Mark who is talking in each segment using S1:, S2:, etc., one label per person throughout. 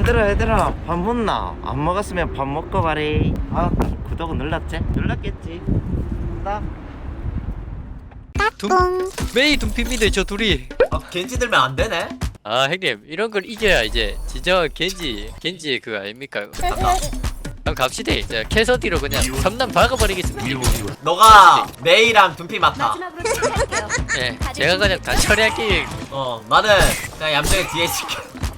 S1: 얘들아 밥 먹나? 안 먹었으면 밥 먹고 가래. 아, 구독은 눌렀지? 눌렀겠지. 나
S2: 메이 둠피입니다 저 둘이.
S3: 아 겐지 들면 안 되네?
S2: 아 형님 이런 걸 이겨야 이제 진정한 겐지의 그거 아닙니까?
S3: 간다.
S2: 그럼 갑시다. 이제 캐서디로 그냥 섬남 박아버리겠습니다.
S3: 너가 메이랑 둠피 맡아.
S4: 마지막으로 체크할게요.
S2: 네, 제가 그냥 다 처리할게요.
S3: 나는 그냥 얌전히 뒤에 있을게.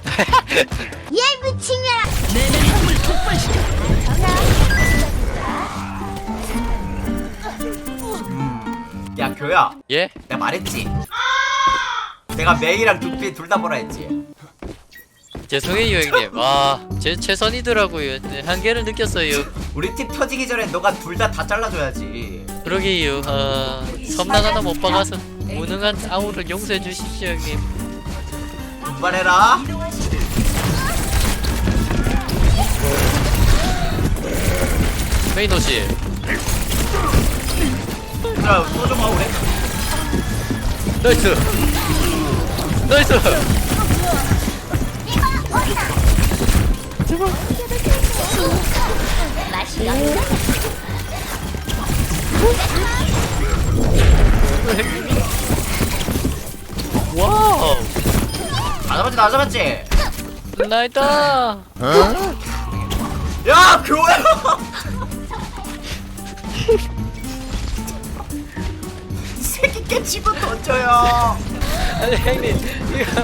S3: 야 교야,
S2: 예?
S3: 내가 말했지. 내가 메이랑 둠피 둘 다 보라 했지.
S2: 죄송해요 형님. 제 최선이더라고요. 네, 한계를 느꼈어요.
S3: 우리 팀 터지기 전에 너가 둘 다 잘라줘야지.
S2: 그러게요. 섬남 하나 못 박아서 무능한 아우를 용서해 주십시오 형님.
S3: 분발해라.
S2: 메이노씨.
S3: 자, 또좀 하고 그래.
S2: 나이스. 나이스. 와우.
S3: 안 잡았지?
S2: 나이다.
S3: 야, 교야. 이 새끼 깨치고 던져요.
S2: 아니 형님 이거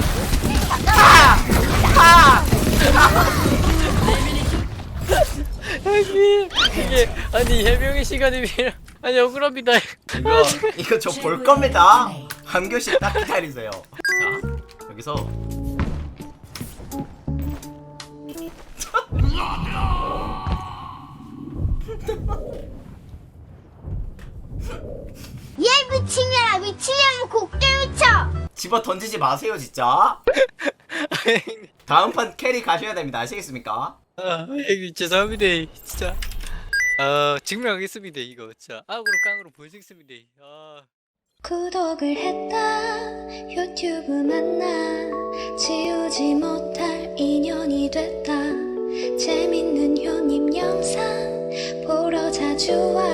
S2: 형님 이게 아니 해명의 시간이 필요. 아니 억울합니다.
S3: 이거 저 볼 겁니다. 한 교시 딱 기다리세요. 자, 여기서
S4: 얘 미친년아, 미치려면 곡대 미쳐.
S3: 집어 던지지 마세요, 진짜. 다음 판 캐리 가셔야 됩니다. 아시겠습니까?
S2: 형님 죄송합니다 진짜. 증명하겠습니다 이거 진짜 악으로 깡으로 보여주겠습니다.
S5: 구독을 했다 유튜브 만나 지우지 못할 인연이 됐다 재밌는 효님 영상 보러 자주 와